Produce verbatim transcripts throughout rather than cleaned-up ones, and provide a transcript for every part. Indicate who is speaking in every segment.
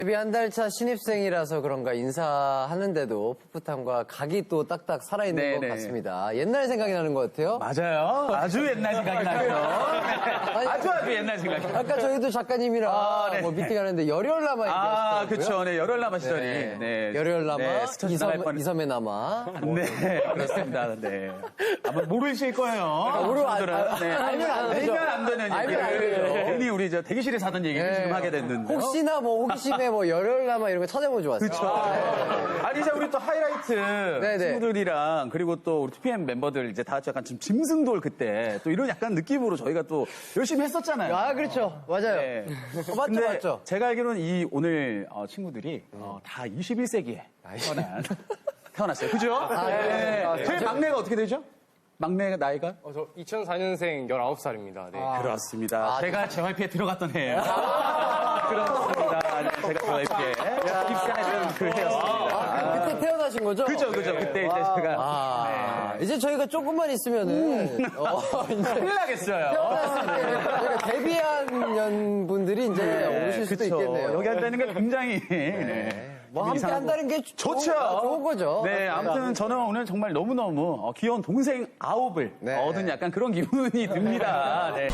Speaker 1: 데뷔 한 달 차 신입생이라서 그런가 인사하는데도 풋풋함과 각이 또 딱딱 살아있는
Speaker 2: 네네.
Speaker 1: 것 같습니다. 옛날 생각이 나는 것 같아요.
Speaker 2: 맞아요. 아주 옛날 생각이 나요. 아주 아주 옛날 생각이 나요.
Speaker 1: 아까 저희도 작가님이랑
Speaker 2: 아, 네.
Speaker 1: 뭐 미팅하는데 열혈남아
Speaker 2: 아,
Speaker 1: 얘기하시더라고요.
Speaker 2: 그쵸. 네, 열혈남아 시절이.
Speaker 1: 네.
Speaker 2: 네.
Speaker 1: 열혈남아,
Speaker 2: 네, 스쳐서 나갈
Speaker 1: 이섬,
Speaker 2: 뻔-
Speaker 1: 이섬의 남아.
Speaker 2: 네, 그렇습니다. 네. 아마 모르실 거예요.
Speaker 1: 모르- 아,
Speaker 2: 분들은.
Speaker 1: 아,
Speaker 2: 네.
Speaker 1: 알면 안 되죠.
Speaker 2: 알면 안 되는
Speaker 1: 알면 안
Speaker 2: 얘기를
Speaker 1: 되죠.
Speaker 2: 괜히 우리 저 대기실에서 하던 얘기를
Speaker 1: 네.
Speaker 2: 지금 하게 됐는데.
Speaker 1: 혹시나 뭐 호기심에 뭐 열혈남아 이런 거 찾아보면 좋았어요.
Speaker 2: 그렇죠. 아니 이제 우리 또 하이라이트
Speaker 1: 네네.
Speaker 2: 친구들이랑 그리고 또 우리 투피엠 멤버들 이제 다 같이 약간 지금 짐승돌 그때 또 이런 약간 느낌으로 저희가 또 열심히 했었잖아요.
Speaker 1: 아, 그렇죠. 맞아요.
Speaker 2: 네.
Speaker 1: 어, 맞죠,
Speaker 2: 근데
Speaker 1: 맞죠.
Speaker 2: 제가 알기로는 이 오늘 어, 친구들이 어, 다 이십일 세기에 태어난 태어났어요. 그죠? 네.
Speaker 1: 네.
Speaker 2: 제일 막내가 어떻게 되죠? 막내 나이가?
Speaker 3: 어, 저 이천사 년생 열아홉 살입니다. 네.
Speaker 2: 그렇습니다. 제가 제이와이피에 들어갔던 해예요. 그렇습니다. 네, 제가 제이와이피에 입사했던 그 해였습니다.
Speaker 1: 아, 그때 태어나신 거죠?
Speaker 2: 그죠, 그죠. 그때 이제 제가
Speaker 1: 아, 이제 저희가 조금만 있으면은, 어, 이제.
Speaker 2: 큰일 나겠어요.
Speaker 1: 태어났을 때 저희가 데뷔한 년 분들이 이제 오실 수도
Speaker 2: 그쵸.
Speaker 1: 있겠네요.
Speaker 2: 여기 한다는 게 굉장히 네.
Speaker 1: 뭐 함께
Speaker 2: 이상하고.
Speaker 1: 한다는 게
Speaker 2: 좋죠.
Speaker 1: 좋은, 좋은 거죠.
Speaker 2: 네,
Speaker 1: 맞습니다.
Speaker 2: 아무튼 저는 오늘 정말 너무너무 어, 귀여운 동생 아홉을
Speaker 1: 네.
Speaker 2: 얻은 약간 그런 기분이 듭니다. 네.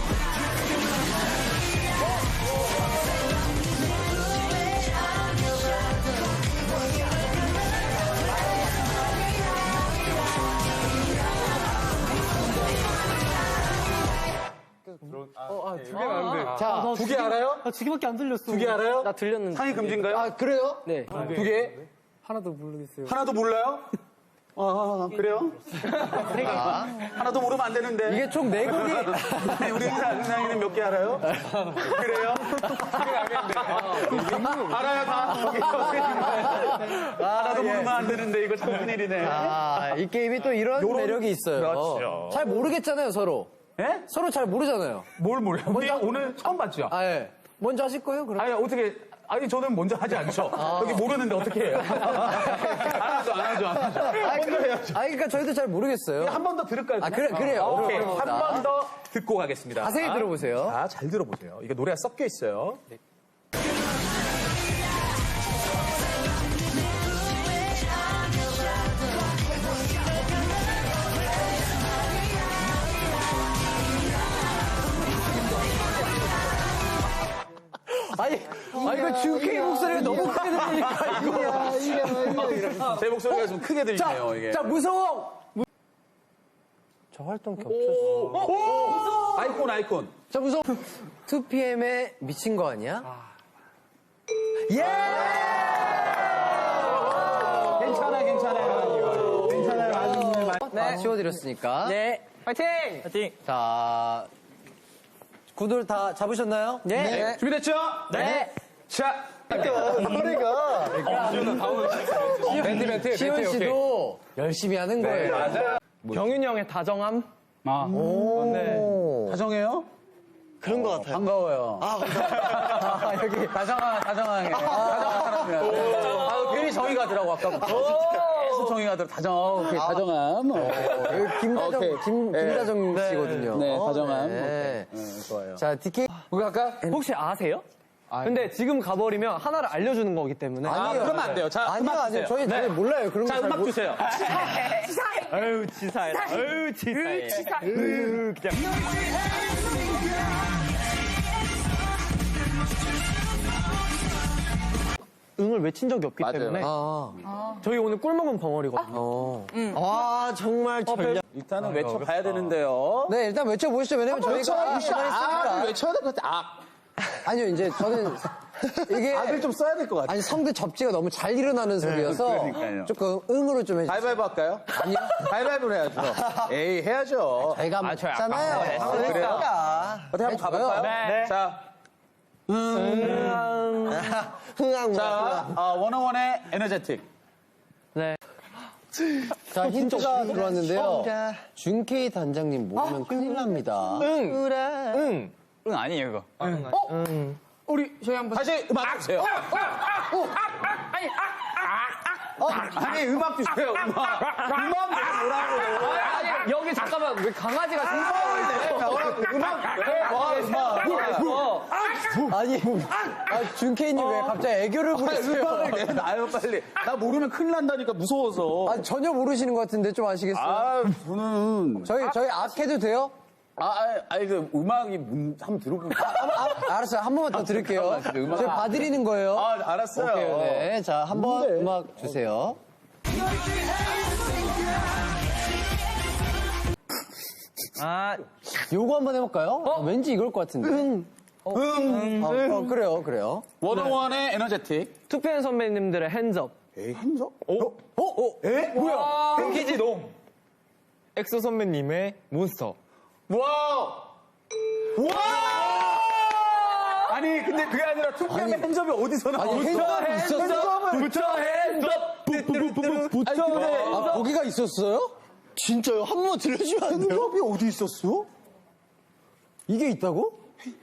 Speaker 3: 두 개가 안 돼.
Speaker 1: 자,
Speaker 2: 두 개 알아요?
Speaker 4: 두 개밖에 안 들렸어.
Speaker 2: 두 개 알아요?
Speaker 4: 나 들렸는데.
Speaker 2: 상위 금지인가요?
Speaker 1: 아, 그래요?
Speaker 4: 네.
Speaker 2: 두 개?
Speaker 4: 하나도 모르겠어요.
Speaker 2: 하나도 몰라요? 아, 그래요? 하나도 모르면 안 되는데.
Speaker 1: 이게 총 네 곡이.
Speaker 2: 네, 우리 은상이는 몇 개 알아요? 그래요? 알아요, 다. 하나도 모르면 안 되는데, 이거 참 큰일이네.
Speaker 1: 아, 이 게임이 또 이런
Speaker 2: 요런-
Speaker 1: 매력이 있어요.
Speaker 2: 그렇죠.
Speaker 1: 잘 모르겠잖아요, 서로.
Speaker 2: 예?
Speaker 1: 서로 잘 모르잖아요.
Speaker 2: 뭘 몰라요? 우리
Speaker 1: 먼저-
Speaker 2: 오늘 처음 봤죠?
Speaker 1: 아, 예. 먼저 하실 거예요, 그럼?
Speaker 2: 아니, 어떻게, 아니, 저는 먼저 하지 않죠. 여기 모르는데 어떻게 해요? 안 하죠, 안 하죠, 안 하죠. 먼저 해야죠.
Speaker 1: 아, 그러니까 저희도 잘 모르겠어요.
Speaker 2: 한 번 더 들을까요?
Speaker 1: 아, 그래, 그래요.
Speaker 2: 오케이.
Speaker 1: 그럼
Speaker 2: 한 번 더 듣고 가겠습니다.
Speaker 1: 자세히 들어보세요.
Speaker 2: 자, 잘 들어보세요. 이게 노래가 섞여 있어요.
Speaker 1: 아니, 아, 이거 준케이 목소리가 너무 크게 들리니까, 이거.
Speaker 2: 제 목소리가 좀 크게 들리네요, 이게.
Speaker 1: 자, 무서워! 저 활동 겹쳐서.
Speaker 2: 아이콘, 아이콘.
Speaker 1: 자, 무서워. 투피엠에 미친 거 아니야? 예!
Speaker 2: 괜찮아, 괜찮아요. 괜찮아요. 아주
Speaker 1: 네. 치워드렸으니까.
Speaker 4: 네. 파이팅! 파이팅!
Speaker 1: 자, 구들 다 잡으셨나요?
Speaker 4: 네.
Speaker 2: 준비됐죠?
Speaker 1: 네.
Speaker 2: 자,
Speaker 1: 노래가.
Speaker 3: 멘트, 멘트,
Speaker 1: 시온
Speaker 3: 멘트, 오케이.
Speaker 1: 씨도 열심히 하는 거예요.
Speaker 3: 맞아요. 경윤이 형의 다정함?
Speaker 2: 아,
Speaker 1: 오.
Speaker 2: 다정해요?
Speaker 4: 그런 것 같아요.
Speaker 2: 반가워요.
Speaker 1: 아, 여기.
Speaker 2: 다정한, 다정하게. 다정한 사람이야. 아, 괜히 정이 가더라고, 아까부터. 계속 정이 가더라고. 다정, 오케이, 다정함. 어.
Speaker 1: 여기 김다정,
Speaker 2: 오케이.
Speaker 1: 김,
Speaker 2: 네.
Speaker 1: 김다정 씨거든요.
Speaker 2: 네, 다정함.
Speaker 1: 네.
Speaker 2: 오케이. 네, 좋아요.
Speaker 1: 자, 디케이.
Speaker 3: 우리 아까
Speaker 4: 혹시 아세요? 근데 지금 가버리면 하나를 알려주는 거기 때문에.
Speaker 2: 아, 그러면 안 돼요. 자,
Speaker 1: 아니요,
Speaker 2: 음악
Speaker 1: 아니요.
Speaker 2: 주세요.
Speaker 1: 저희 잘 몰라요. 그런
Speaker 2: 자,
Speaker 1: 거잘
Speaker 2: 음악 주세요.
Speaker 4: 아유, 치사해. 아유, 치사해. 치사해. 그냥. 응을 외친 적이 없기
Speaker 2: 맞아요.
Speaker 4: 때문에
Speaker 1: 아,
Speaker 4: 저희 오늘 꿀 먹은 벙어리거든요.
Speaker 1: 어. 와, 정말 전략.
Speaker 2: 일단은 외쳐봐야 되는데요.
Speaker 1: 네, 일단 외쳐보시죠. 왜냐면 저희가 시간이 있으니까.
Speaker 2: 외쳐야 될 것 같아. 아,
Speaker 1: 아니요, 이제 저는 이게.
Speaker 2: 악을 좀 써야 될 것 같아.
Speaker 1: 아니, 성대 접지가 너무 잘 일어나는 소리여서.
Speaker 2: 그러니까요.
Speaker 1: 조금 응으로 좀 해주세요.
Speaker 2: 가위바위보 할까요? 아니요. 가위바위보를 해야죠. 에이, 해야죠.
Speaker 1: 저희가 뭐 했잖아요.
Speaker 2: 아, 그래요? 어떻게 한번 가볼까요?
Speaker 4: 네.
Speaker 2: 자,
Speaker 1: 흥앙.
Speaker 2: 자, 어, 원어원의 에너제틱.
Speaker 4: 네.
Speaker 1: 자, 힌트가 들어왔는데요. 준케이 단장님 모르면 큰일 납니다.
Speaker 3: 응. 응.
Speaker 5: 응, 아니에요, 이거.
Speaker 3: 우리, 저희 한번.
Speaker 2: 다시 음악 주세요. 아니, 음악 주세요, 음악. 음악 내가
Speaker 3: 여기 잠깐만, 왜 강아지가
Speaker 2: 뭐라고. 음악, 네, 뭐, 음악.
Speaker 3: 뭐,
Speaker 1: 아니, 아, 준케이님 왜 갑자기 애교를 부리세요?
Speaker 2: 음악을 내놔요, 빨리. 나 모르면 큰일 난다니까, 무서워서.
Speaker 1: 아, 전혀 모르시는 것 같은데 좀 아시겠어요?
Speaker 2: 아, 저는.
Speaker 1: 저희, 저희 악 해도 돼요?
Speaker 2: 아, 아, 아니, 그, 음악이, 문, 한번 들어볼게요.
Speaker 1: 아, 알았어요. 한 번만 더 드릴게요.
Speaker 2: 잠깐만, 음악.
Speaker 1: 저희 봐드리는 거예요.
Speaker 2: 아, 알았어요.
Speaker 1: 오케이, 네. 자, 한 번
Speaker 2: 뭔데?
Speaker 1: 음악 주세요.
Speaker 4: 아,
Speaker 1: 요거 한번 해볼까요? 아, 왠지 이걸 것 같은데. 응.
Speaker 2: 응.
Speaker 1: 아, 어, 그래요, 그래요.
Speaker 2: 워너원의 에너제틱.
Speaker 4: 투표한 선배님들의 핸즈업.
Speaker 2: 에이, 핸석?
Speaker 1: 어? 어?
Speaker 2: 에? 뭐야?
Speaker 3: 땡키지 놈. 엑소 선배님의 몬스터.
Speaker 2: 와우! 와! 아니, 근데 그게 아니라 투표의 핸접이 어디서 나와?
Speaker 1: 아니, 핸즈업이 있었어?
Speaker 2: 붙여 핸접! 붙여 핸접!
Speaker 1: 아, 거기가 있었어요? 진짜요? 한 번만 들려주면 안 돼요?
Speaker 2: 핸접이 어디 있었어?
Speaker 1: 이게 있다고?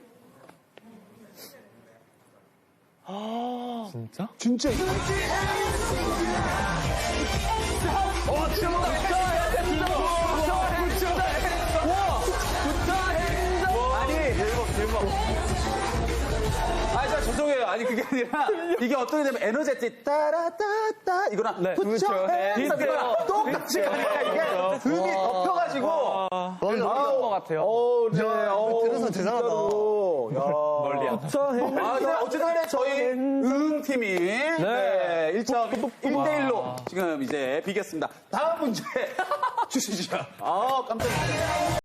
Speaker 3: 진짜?
Speaker 2: 진짜. 아니, 저 죄송해요. 아니, 그게 아니라, 이게 어떻게 되면 에너제틱, 따라따따, 이거랑,
Speaker 4: 네.
Speaker 2: 붙여
Speaker 3: 그렇죠.
Speaker 2: 핸섬, 이거랑 똑같이 가니까 이게 음이 덮여가지고.
Speaker 4: 멀리 것 같아요.
Speaker 2: 어, 네. 어,
Speaker 1: 들어서 대단하다.
Speaker 2: 멀리 아, 네, 어쨌든 간에 저희 응팀이 네. 일 점 일 대 일로 지금 이제 비겼습니다. 다음 문제 주시죠. 아, 깜짝이야.